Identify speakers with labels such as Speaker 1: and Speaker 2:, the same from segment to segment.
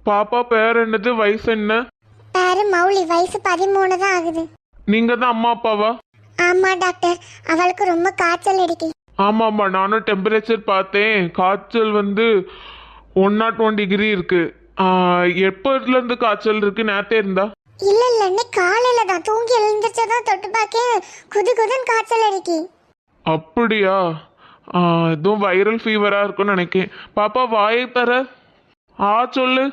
Speaker 1: பாப்பா பேர் என்னது, வயசு என்ன?
Speaker 2: பேரு மௌலி, வயசு 13 தான் ஆகுது.
Speaker 1: நீங்க தான் அம்மா அப்பாவா?
Speaker 2: ஆமா டாக்டர், அவளுக்கு ரொம்ப காய்ச்சல் அடிக்கு.
Speaker 1: ஆமாம்மா, நானும் டெம்பரேச்சர் பார்த்தேன். காய்ச்சல் வந்து 101 டிகிரி இருக்கு. எப்போதுல இருந்து காய்ச்சல் இருக்கு? நேத்தே இருந்தா?
Speaker 2: இல்ல இல்ல, இன்னைக்கு காலையில தான் தூங்கி எழுந்திரிச்சதான் தொட்டு பார்க்க குது குதுன்னு காய்ச்சல் அடிக்கி.
Speaker 1: அப்படியா? எதுவும் வைரல் ஃபீவரா இருக்கும்னு நினைக்கிறேன். பாப்பா வாயை தர. சொல்லு.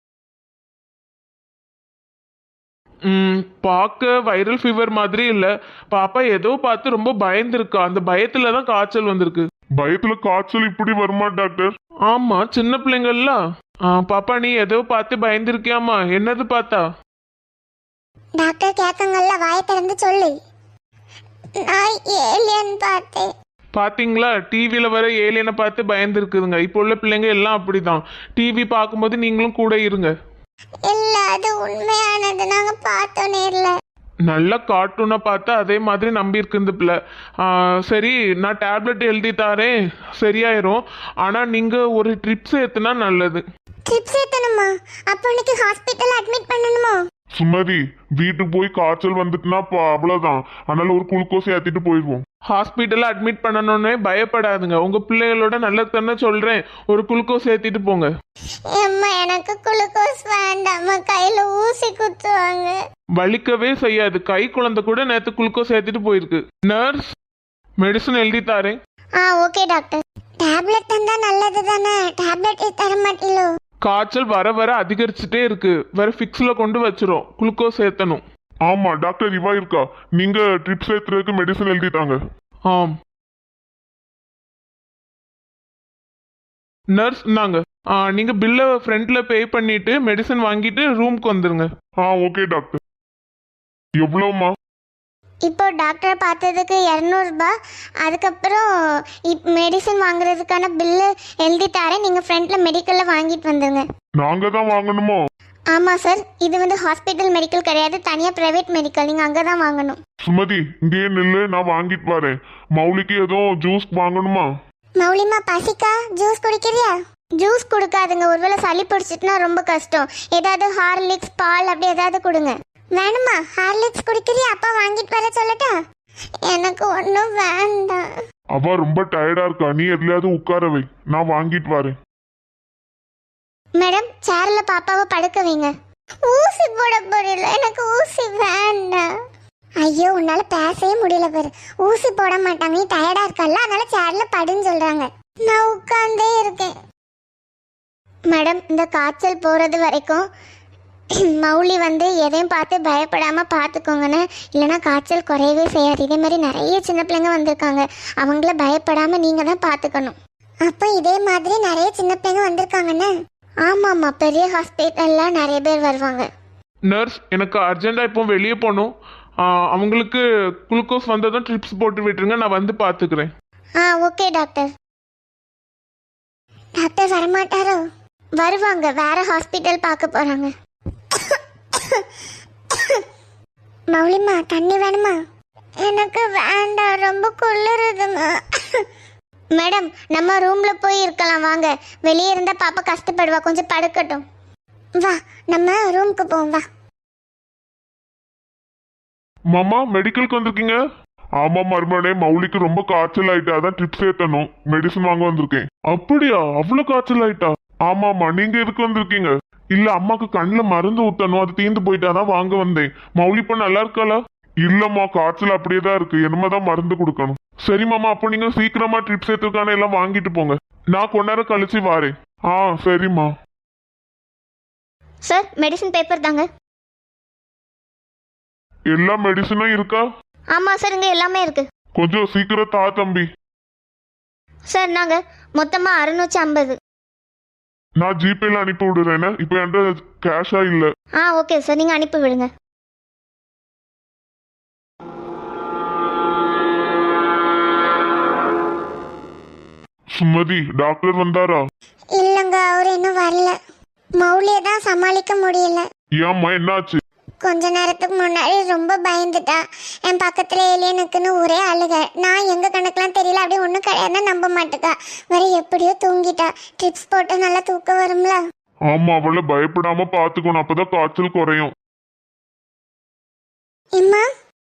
Speaker 1: பார்க்க வைரல் ஃபீவர் மாதிரி இல்ல. பாப்பா ஏதோ பார்த்து ரொம்ப பயந்துருக்கா. அந்த பயத்துல தான் காய்ச்சல் வந்திருக்கு.
Speaker 3: பயத்துல காய்ச்சல் இப்படி வருமா டாக்டர்?
Speaker 1: ஆமா, சின்ன பிள்ளைங்கள்ல. பாப்பா நீ ஏதோ பார்த்து பயந்துருக்கியாமா? என்னது பார்த்தா?
Speaker 2: டாக்டர் கேட்கங்கள்ல, வாயை திறந்து சொல்லு. நான் ஏலியன் பார்த்தேன்.
Speaker 1: பாத்தீங்களா, டிவியில வர ஏலியனை பார்த்து பயந்துருக்குதுங்க. இப்போ உள்ள பிள்ளைங்க எல்லாம் அப்படிதான். டிவி பார்க்கும்போது நீங்களும் கூட இருங்க.
Speaker 2: இல்ல, அது உண்மையானது. நாங்க பார்த்தோம் நேர்ல.
Speaker 1: நல்ல கார்ட்டூனை பார்த்து அதே மாதிரி நம்பி இருக்கு இந்த பிள்ளை. சரி, நான் டேப்லெட் எழுதி தாரேன், சரியாயிரும். ஆனா நீங்க ஒரு ட்ரிப்ஸ் ஏத்துனா நல்லது.
Speaker 2: ட்ரிப்ஸ் ஏத்தணுமா? அப்போ இன்னைக்கு ஹாஸ்பிட்டல் அட்மிட் பண்ணணுமா?
Speaker 3: சுமதி, வீட்டுக்கு போய் காய்ச்சல் வந்துட்டுனா அவ்வளவுதான். அதனால ஒரு குளுக்கோஸ் ஏத்திட்டு போயிடுவோம்.
Speaker 1: ஹாஸ்பிட்டல்ல அட்மிட் பண்ணணும்னே பயப்படாதுங்க. உங்க பிள்ளைகளோட நல்லது தானே சொல்றேன். ஒரு குளுக்கோஸ் ஏத்திட்டு போங்க.
Speaker 2: அம்மா, எனக்கு குளுக்கோஸ் வேண்டாம். கையில ஊசி குத்துவாங்க.
Speaker 1: வலிக்கவே செய்யாது. கை குழந்தை கூட நேத்து குளுக்கோஸ் ஏத்திட்டு போயிருக்கு. நர்ஸ், மெடிசன் எழுதி தாரேன்.
Speaker 2: Okay doctor. டேப்லெட் தந்தா நல்லது தானே? டேப்லெட் தர மாட்டீங்களோ?
Speaker 1: காய்ச்சல் வர வர அதிகரிச்சுட்டே இருக்கு. வேற ஃபிக்ஸ்ல கொண்டு வச்சிரும். குளுக்கோஸ் ஏத்தணும்.
Speaker 3: ஆமா டாக்டர், இவா இருக்கா. நீங்க ட்ரிப்ஸ் ஏத்துறதுக்கு மெடிசன் எழுதிட்டாங்க.
Speaker 1: ஆம் நர்ஸ், நாங்க நீங்க பில்ல ஃப்ரண்ட்ல பே பண்ணிட்டு மெடிசன் வாங்கிட்டு ரூம்க்கு வந்துருங்க.
Speaker 3: Okay doctor. எவ்வளவுமா?
Speaker 2: இப்போ டாக்டரை பார்த்ததுக்கு 200 ரூபாய். அதுக்கப்புறம் மெடிசன் வாங்குறதுக்கான பில்லு எழுதி தரேன். நீங்கள் ஃப்ரண்ட்டில் மெடிக்கலில் வாங்கிட்டு வந்துடுங்க.
Speaker 3: நாங்கள் தான் வாங்கணுமோ?
Speaker 2: ஆமாம் சார், இது வந்து ஹாஸ்பிட்டல் மெடிக்கல் கிடையாது, தனியாக ப்ரைவேட் மெடிக்கல். நீங்கள் அங்கே தான் வாங்கணும்.
Speaker 3: சுமதி, இங்கேயே நில்லு, நான் வாங்கிட்டு வரேன். மௌலிக்கு எதுவும் ஜூஸ் வாங்கணுமா?
Speaker 2: மௌலிமா, பசிக்கா? ஜூஸ் குடிக்கிறியா? ஜூஸ் கொடுக்காதுங்க, ஒருவேளை சளி பிடிச்சிட்டுனா ரொம்ப கஷ்டம். ஏதாவது ஹார்லிக்ஸ், பால் அப்படி ஏதாவது கொடுங்க. வேணுமா? ஹார்லிக்ஸ் குடிக்கிறியா? அப்பா வாங்கிட்டு வர சொல்லட்டா? எனக்கு ஒன்றும் வேண்டாம்.
Speaker 3: அவ ரொம்ப டயர்டா இருக்கா, நீ எதுலயாவது உட்கார வை, நான் வாங்கிட்டு வரேன்.
Speaker 2: மேடம், சேர்ல பாப்பாவை படுக்க வைங்க. ஊசி போட போறீல, எனக்கு ஊசி வேண்டாம். ஐயோ, உன்னால பேசவே முடியல பாரு. ஊசி போட மாட்டாங்க, நீ டயர்டா இருக்கல்ல, அதனால சேர்ல படுன்னு சொல்றாங்க. நான் உட்கார்ந்தே இருக்கேன். மேடம், இந்த காய்ச்சல் போறது வரைக்கும் மௌலி வந்து எதையும் பார்த்து பயப்படாம பார்த்துக்கோங்கன்னு. இல்லைன்னா காய்ச்சல் குறையவே செய்யாது. இதே மாதிரி நிறைய சின்ன பிள்ளைங்க வந்திருக்காங்க, அவங்கள பயப்படாம நீங்க தான் பார்த்துக்கணும். அப்போ இதே மாதிரி நிறைய சின்ன பிள்ளைங்க வந்திருக்காங்கன்னு? ஆமாம்மா, பெரிய ஹாஸ்பிட்டல்ல நிறைய பேர் வருவாங்க.
Speaker 1: நர்ஸ், எனக்கு அர்ஜென்டா இப்போ வெளியே போகணும். அவங்களுக்கு குளுக்கோஸ் வந்ததும் ட்ரிப்ஸ் போட்டு விட்டுருங்க, நான் வந்து பார்த்துக்கிறேன்.
Speaker 2: Okay doctor. டாக்டர் வரமாட்டாரோ? வருவாங்க, வேற ஹாஸ்பிட்டல் பார்க்க போறாங்க. மௌலிமா, தண்ணி வேணுமா? எனக்கு வேண்டாம், ரொம்ப குளிருதுமா. மேடம், நம்ம ரூம்ல போய் இருக்கலாம் வாங்க. வெளியே இருந்தா பாப்பா கஷ்டப்படுவா, கொஞ்சம் படுக்கட்டும். வா, நம்ம ரூமுக்கு போவோம், வா.
Speaker 3: மாமா, மெடிக்கலுக்கு வந்திருக்கீங்க? ஆமா மருமனே, மௌலிக்கு ரொம்ப காய்ச்சல் ஆயிட்டா, அதான் ட்ரிப்ஸ் ஏத்தணும், மெடிசன் வாங்க வந்திருக்கேன். அப்படியா? அவ்வளவு காய்ச்சல் ஆயிட்டா? ஆமாமா, நீங்க எதுக்கு வந்திருக்கீங்க? இல்ல, அம்மாக்கு கண்ணுல மருந்து ஊத்தணும், அது தீர்ந்து போயிட்டாதான் வாங்க வந்தேன். மௌலி இப்ப நல்லா இருக்காளா? இல்லம்மா, காய்ச்சல் அப்படியே தான் இருக்கு, என்னமாதான் மருந்து கொடுக்கணும். சரி மாமா, அப்போ நீங்க சீக்கிரமா ட்ரிப்ஸ் ஏத்துக்கான எல்லாம் வாங்கிட்டு போங்க, நான் கொஞ்ச நேரம் கழிச்சு வாரேன். சரிம்மா.
Speaker 2: சார், மெடிசன் பேப்பர் தாங்க.
Speaker 3: எல்லா மெடிசனும் இருக்கா?
Speaker 2: ஆமா சார், இங்க எல்லாமே இருக்கு.
Speaker 3: கொஞ்சம் சீக்கிரம் தா தம்பி.
Speaker 2: சார், நாங்க மொத்தமா 650.
Speaker 3: நான் ஜிபேல அனுப்பி விடுறேன், இப்போ என்கிட்ட கேஷா இல்ல.
Speaker 2: ஓகே சார், நீங்க அனுப்பி விடுங்க.
Speaker 3: சுமதி, டாக்டர் வந்தாரா?
Speaker 2: இல்லங்க, அவர் இன்னும் வரல. மௌலியை தான் சமாளிக்க முடியல.
Speaker 3: ஏம்மா, என்னாச்சு?
Speaker 2: கொஞ்ச நேரத்துக்கு முன்னாடி ரொம்ப பயந்துட்டா. என் பக்கத்துல ஏலியனுக்குன்னு ஒரே அழுக. நான் எங்க கணக்கெல்லாம் தெரியல, அப்படியே ஒன்றும் கிடையாதுன்னு நம்ப மாட்டேக்கா. வேற எப்படியோ தூங்கிட்டா. ட்ரிப்ஸ் போட்டு நல்லா தூக்கம் வரும்ல.
Speaker 3: ஆமா, அவளை பயப்படாம பாத்துக்கணும், அப்பதான் காய்ச்சல் குறையும்.
Speaker 2: எம்மா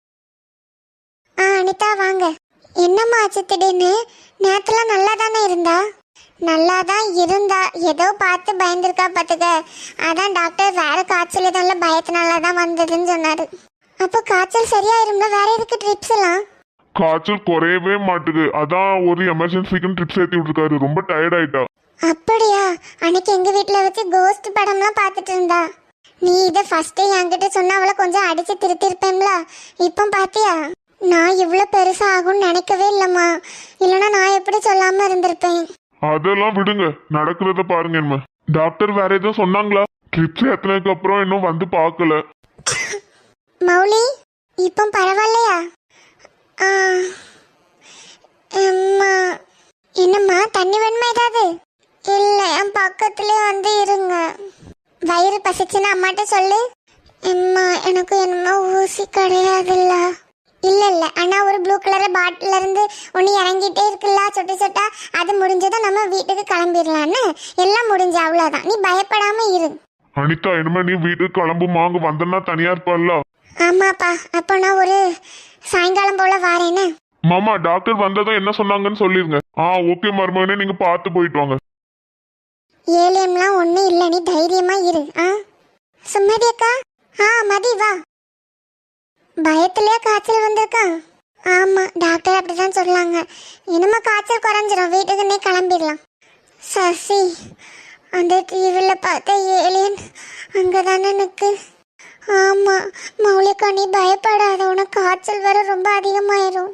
Speaker 2: அனிதா வாங்க. என்னம்மா ஆச்சு திடீர்னு? நேரத்துலாம் நல்லா தானே இருந்தா? நல்லா தான் இருந்தா, ஏதோ பார்த்து பயந்துருக்கா பார்த்துக்க. அதான் டாக்டர் வேற காய்ச்சல் எதுவும் பயத்தினால தான் வந்ததுன்னு சொன்னாரு. அப்போ காய்ச்சல் சரியாயிரும்ல, வேற எதுக்கு ட்ரிப்ஸ் எல்லாம்?
Speaker 3: காய்ச்சல் குறையவே மாட்டுது, அதான் ஒரு எமர்ஜென்சிக்குன்னு ட்ரிப்ஸ் ஏத்தி விட்டுருக்காரு. ரொம்ப டயர்ட் ஆயிட்டா.
Speaker 2: அப்படியா? அன்னைக்கு எங்க வீட்டில் வச்சு கோஸ்ட் படம்லாம் பார்த்துட்டு இருந்தா. நீ இதை ஃபர்ஸ்டே என்கிட்ட சொன்னா அவளை கொஞ்சம் அடிச்சு திருத்திருப்பேன்ல. இப்போ பாத்தியா, நான் இவ்வளோ பெருசா ஆகும்னு நினைக்கவே இல்லைம்மா. இல்லைன்னா நான் எப்படி சொல்லாம இருந்திருப்பேன்.
Speaker 3: அதெல்லாம் விடுங்க, நடக்கிறத பாருங்க. என்ன டாக்டர் வேற எதுவும் சொன்னாங்களா? ட்ரிப்ஸ் ஏத்தினதுக்கு அப்புறம் இன்னும் வந்து பார்க்கல.
Speaker 2: மௌலி இப்போ பரவாயில்லையா? அம்மா என்னம்மா, தண்ணி வேணுமா ஏதாவது? இல்லை, என் பக்கத்துலேயே வந்து இருங்க. வயிறு பசிச்சுன்னு அம்மாட்ட சொல்லு. அம்மா எனக்கு என்னமோ ஊசி கிடையாதுல்ல. இல்லை இல்லை, ஆனால் ஒரு ப்ளூ கலர் பாட்டில இருந்து ஒன்று இறங்கிட்டே இருக்குல்ல, சொட்டு சொட்டா. அது முடிஞ்சதும் நம்ம வீட்டுக்கு கிளம்பிடலான்னு. எல்லாம் முடிஞ்சு, அவ்வளோதான். நீ பயப்படாம இரு.
Speaker 3: அனிதா, இனிமே நீ வீட்டுக்கு கிளம்புமா? அங்க வந்தனா தனியா இருப்பாள்ல.
Speaker 2: ஆமாப்பா, அப்போ நான் ஒரு சாயங்காலம் போல வாரேன்னு.
Speaker 3: மாமா, டாக்டர் வந்ததும் என்ன சொன்னாங்கன்னு சொல்லிருங்க. ஓகே மருமகனே, நீங்க பார்த்து போயிட்டு வாங்க.
Speaker 2: ஏலியம்லாம் ஒன்றும் இல்லை, நீ தைரியமா இரு. சுமதி அக்கா. மதி வா. பயத்துலயே காய்ச்சல் வந்திருக்கா? ஆமா, டாக்டர் அப்படிதான் சொல்லாங்க. இனிமே காய்ச்சல் குறைஞ்சிரும், வீட்டுக்கு நீ கிளம்பிடலாம். சசி, அந்த டிவியில் பார்த்த ஏலியன் அங்கதானே நிற்கு. ஆமா மௌலிகா, நீ பயப்படாத, உனக்கு காய்ச்சல் வர ரொம்ப அதிகமாயிரும்.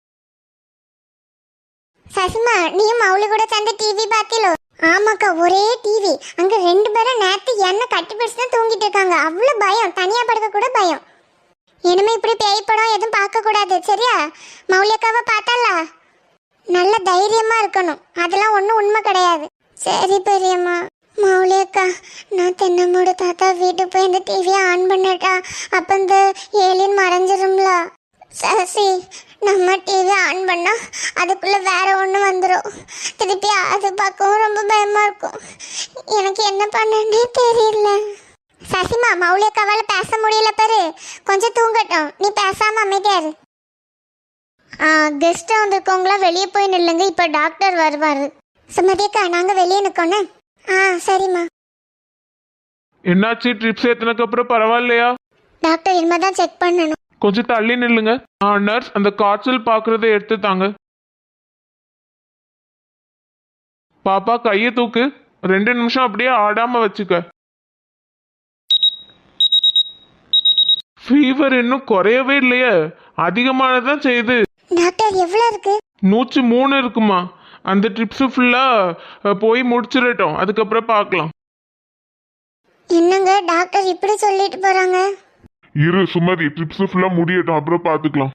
Speaker 2: சசிமா, நீயும் மௌலி கூட சேர்ந்து டிவி பார்த்திலோ? ஆமாக்கா, ஒரே டிவி. அங்க 2 பேரும் நேத்து என்ன கட்டி பிடிச்சு தான் தூங்கிட்டு இருக்காங்க. அவ்வளவு பயம், தனியா படுக்க கூட பயம். இனிமே இப்படி பேய் படம் எதுவும் பார்க்க கூடாது, சரியா? மௌலிகாவை பார்த்தால நல்ல தைரியமா இருக்கணும், அதெல்லாம் ஒன்றும் உண்மை கிடையாது. சரி பெரியம்மா. மௌலிகா, நான் தென்னமோட தாத்தா வீட்டுக்கு போய் இந்த டிவியை ஆன் பண்ணட்டா? அப்போ இந்த ஏலியன் மறைஞ்சிரும்ல. சசி, நம்ம டிவி ஆன் பண்ணா அதுக்குள்ள வேற ஒன்று வந்துடும். திருப்பி அது பார்க்கவும் ரொம்ப பயமா இருக்கும். எனக்கு என்ன பண்ணனே தெரியல. சசிமா, மௌலிகாவால் பேச முடியல பாரு, கொஞ்சம் தூங்கட்டும். நீ பேசாம அமைதியாரு. கெஸ்ட் வந்திருக்கவங்களா வெளியே போய் நில்லுங்க, இப்போ டாக்டர் வருவாரு. சுமதிக்கா, நாங்கள் வெளியே நிற்கோண்ணே. சரிம்மா.
Speaker 1: என்னாச்சு? ட்ரிப்ஸ் ஏத்தினதுக்கு அப்புறம் பரவாயில்லையா?
Speaker 2: டாக்டர் இனிமேதான் செக் பண்ணணும்.
Speaker 1: கொஞ்சம் தள்ளி நில்லுங்க. நர்ஸ், அந்த காய்ச்சல் பார்க்கறத எடுத்து தாங்க. பாப்பா, கையை தூக்கு. 2 நிமிஷம் அப்படியே ஆடாம வச்சுக்க. ஃபீவர் இன்னும் குறையவே இல்லையே, அதிகமானதான் செய்யுது.
Speaker 2: டாக்டர் எவ்வளவு இருக்கு?
Speaker 1: 103 இருக்குமா. அந்த ட்ரிப்ஸ் ஃபுல்லா போய் முடிச்சிடட்டும், அதுக்கப்புறம் பார்க்கலாம்.
Speaker 2: என்னங்க டாக்டர் இப்படி சொல்லிட்டு போறாங்க?
Speaker 3: இரு சுமதி, ட்ரிப்ஸ் ஃபுல்லா முடியட்டும், அப்புறம் பாத்துக்கலாம்.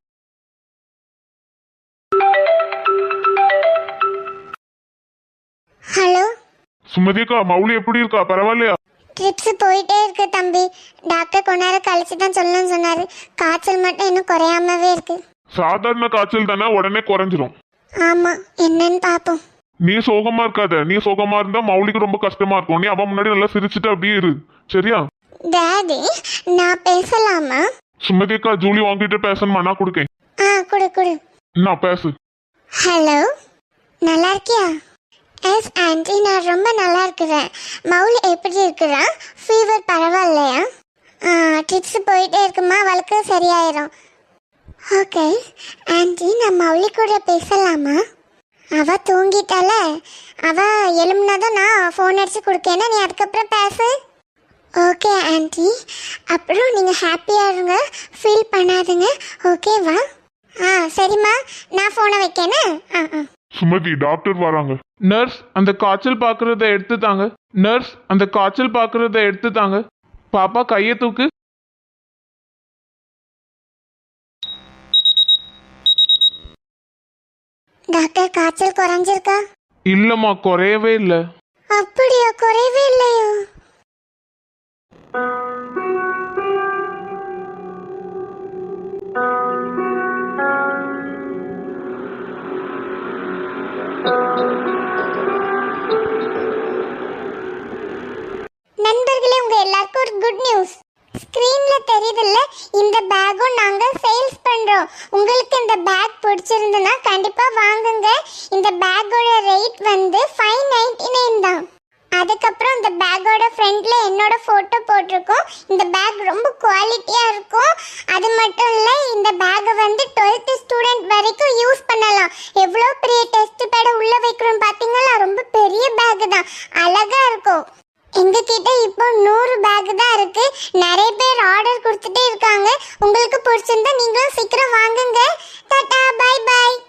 Speaker 2: ஹலோ
Speaker 3: சுமதி அக்கா, மௌலி எப்படி இருக்கா? பரவாயில்லையா?
Speaker 2: ட்ரிப்ஸ் போயிட்டே இருக்கு தம்பி. டாக்டர் கொஞ்ச நேரம் கழிச்சு தான் சொல்லணும்னு சொன்னாரு. காய்ச்சல் மட்டும் இன்னும் குறையாமவே இருக்கு.
Speaker 3: சாதாரண காய்ச்சல் தானே, உடனே குறைஞ்சிரும்.
Speaker 2: ஆமா, என்னன்னு பாப்போம்.
Speaker 3: நீ சோகமா இருக்காத. நீ சோகமா இருந்தா மௌலிக்கு ரொம்ப கஷ்டமா இருக்கும். நீ அவன் முன்னாடி நல்லா சிரிச்சுட்டு அப்படியே இரு, சரியா?
Speaker 2: டாடி, நான் பேசலாமா?
Speaker 3: சுமதி அக்கா, ஜூலி வாங்கிட்டு பேசணுமா? நான் கொடுக்கேன்.
Speaker 2: குடு குடு.
Speaker 3: நான் பேசு.
Speaker 2: ஹலோ, நல்லா இருக்கியா? எஸ் ஆண்டி, நான் ரொம்ப நல்லா இருக்கிறேன். மவுல் எப்படி இருக்கிறா? ஃபீவர் பரவாயில்லையா? ட்ரிப்ஸ் போயிட்டே இருக்குமா, அவளுக்கு சரியாயிரும். ஓகே ஆண்டி, நான் மௌலி கூட பேசலாமா? அவ தூங்கிட்டால, அவ எழும்புனதும் நான் ஃபோன் அடிச்சு கொடுக்கேன்னா நீ அதுக்கப்புறம் பேசு. ஓகே ஆண்டி, அப்புறம் நீங்கள் ஹாப்பியாக இருங்க, ஃபீல் பண்ணாதுங்க, ஓகேவா? சரிம்மா, நான் ஃபோனை வைக்கேன்னு.
Speaker 3: சுமதி, டாக்டர் வராங்க.
Speaker 1: நர்ஸ், அந்த காய்ச்சல் பார்க்கறத எடுத்து தாங்க. நர்ஸ், அந்த காய்ச்சல் பார்க்கறத எடுத்து தாங்க. பாப்பா, கையை தூக்கு.
Speaker 2: டாக்டர், காய்ச்சல் குறைஞ்சிருக்கா?
Speaker 1: இல்லம்மா, குறையவே இல்லை.
Speaker 2: அப்படியா? குறையவே இல்லையோ? Good news. ஸ்கிரீன்ல தெரியுதுல்ல, இந்த பேக்கும் நாங்க சேல்ஸ் பண்றோம். உங்களுக்கு இந்த பேக் பிடிச்சிருந்தனா கண்டிப்பா வாங்குங்க. இந்த பேக்கோட ரேட் வந்து 599 தான். அதுக்கப்புறம் இந்த பேக்கோட ஃப்ரண்ட்ல என்னோட போட்டோ போட்டிருக்கோம். இந்த பேக் ரொம்ப குவாலிட்டியா இருக்கும். அது மட்டும் இல்ல, இந்த பேக்கை வந்து 12th ஸ்டூடெண்ட் வரைக்கும் யூஸ் பண்ணலாம். எவ்வளோ பெரிய டெஸ்ட் பேட உள்ள வைக்கிறோம் பாத்தீங்களா? ரொம்ப பெரிய பேக் தான், அழகா இருக்கும். எங்க கிட்ட இப்போ 100 பேக் தான் இருக்கு. நிறைய பேர் ஆர்டர் கொடுத்துட்டே இருக்காங்க. உங்களுக்கு பிடிச்சிருந்தா நீங்களும் சீக்கிரம் வாங்குங்க. Tata, bye by.